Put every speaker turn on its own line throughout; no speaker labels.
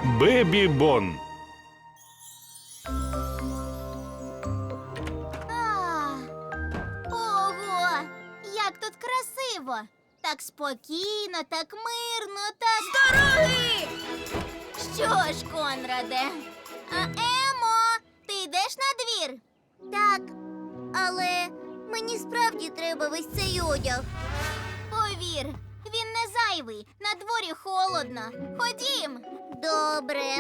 Бебі Бон.
Ого! Як тут красиво! Так спокійно, так мирно, так... З дороги! Що ж, Конраде? Емо, ти йдеш на двір? Так, але мені справді треба весь цей одяг. Повір, він не зайвий, на дворі холодно. Ходім. Добре.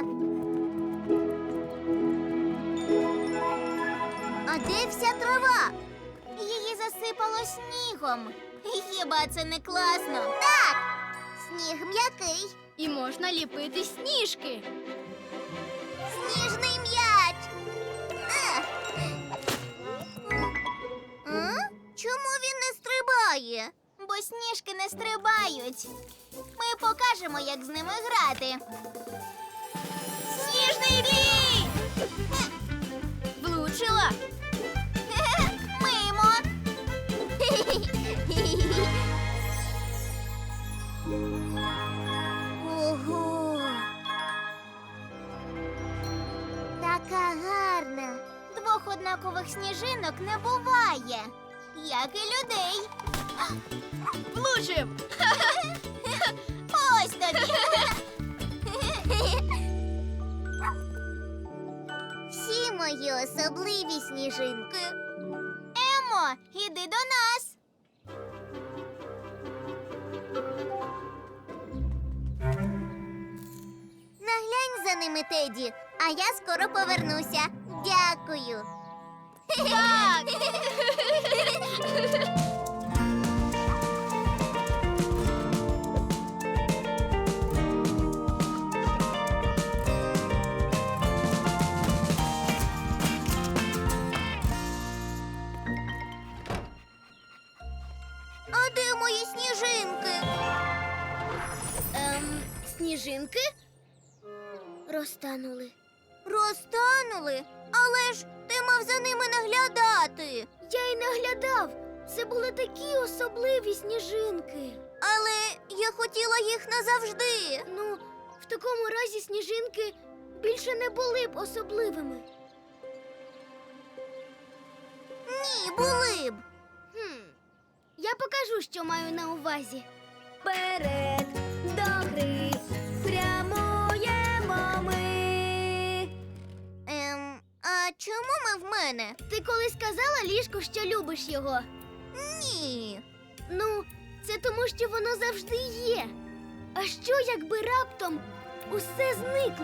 А де вся трава? Її засипало снігом. Хіба це не класно? Так! Сніг м'який.
І можна ліпити сніжки.
Сніжний м'яч. Чому він не стрибає? Бо сніжки не стрибають. Ми покажемо, як з ними грати. Сніжний бій!
Влучила.
Мимо. Ого. Така гарна. Двох однакових сніжинок не буває, як і людей.
Влучив.
Ось тобі. Всі мої особливі сніжинки. Емо, іди до нас. Наглянь за ними, Теді, а я скоро повернуся. Дякую.
Так.
А де мої сніжинки?
Сніжинки?
Розтанули. Розтанули? Але ж ти мав за ними наглядати.
Я й наглядав. Це були такі особливі сніжинки.
Але я хотіла їх назавжди.
Ну, в такому разі сніжинки більше не були б особливими.
Ні, були б.
Я покажу, що маю на увазі. Вперед до гри прямуємо ми.
А чому ми в мене?
Ти колись казала ліжку, що любиш його?
Ні.
Ну, це тому, що воно завжди є. А що, якби раптом усе зникло?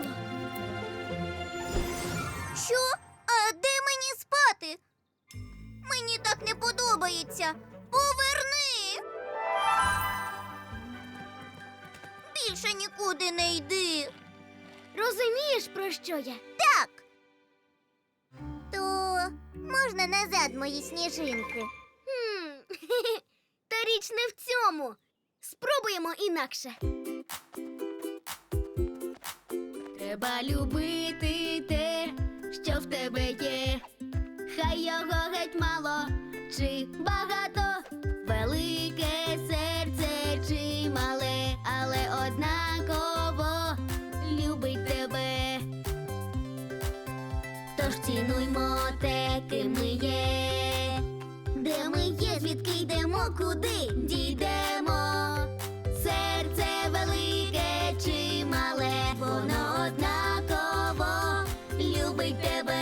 Що? А де мені спати? Мені так не подобається. Поверни. Більше нікуди не йди.
Розумієш, про що я?
Так. То можна назад мої сніжинки?
Та річ не в цьому. Спробуємо інакше. Треба любити те, що в тебе є. Хай його геть мало чи багато, велике серце чи мале, але однаково любить тебе. Тож цінуймо те, ким ми є.
Де ми є, звідки йдемо, куди дійдемо?
Серце велике чи мале, воно однаково любить тебе.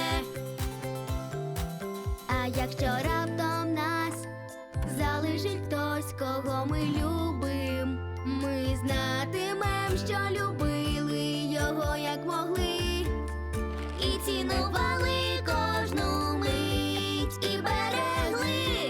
А якщо раптом нас залишить хтось, кого ми любим, ми знатимем, що любили його, як могли, і цінували кожну мить і берегли.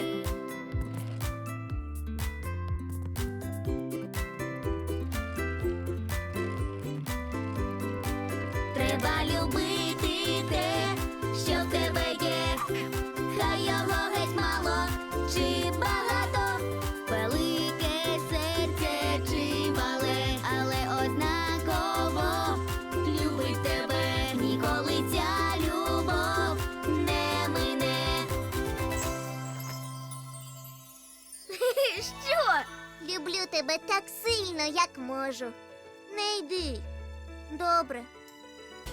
Треба любити те, що в тебе є. Хай його геть мало чи багато, велике серце чи мале, але однаково любить тебе. Ніколи ця любов не мине. Що?
Люблю тебе так сильно, як можу. Не йди. Добре.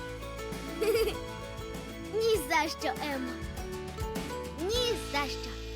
Ні за що, Емо. Ні за що.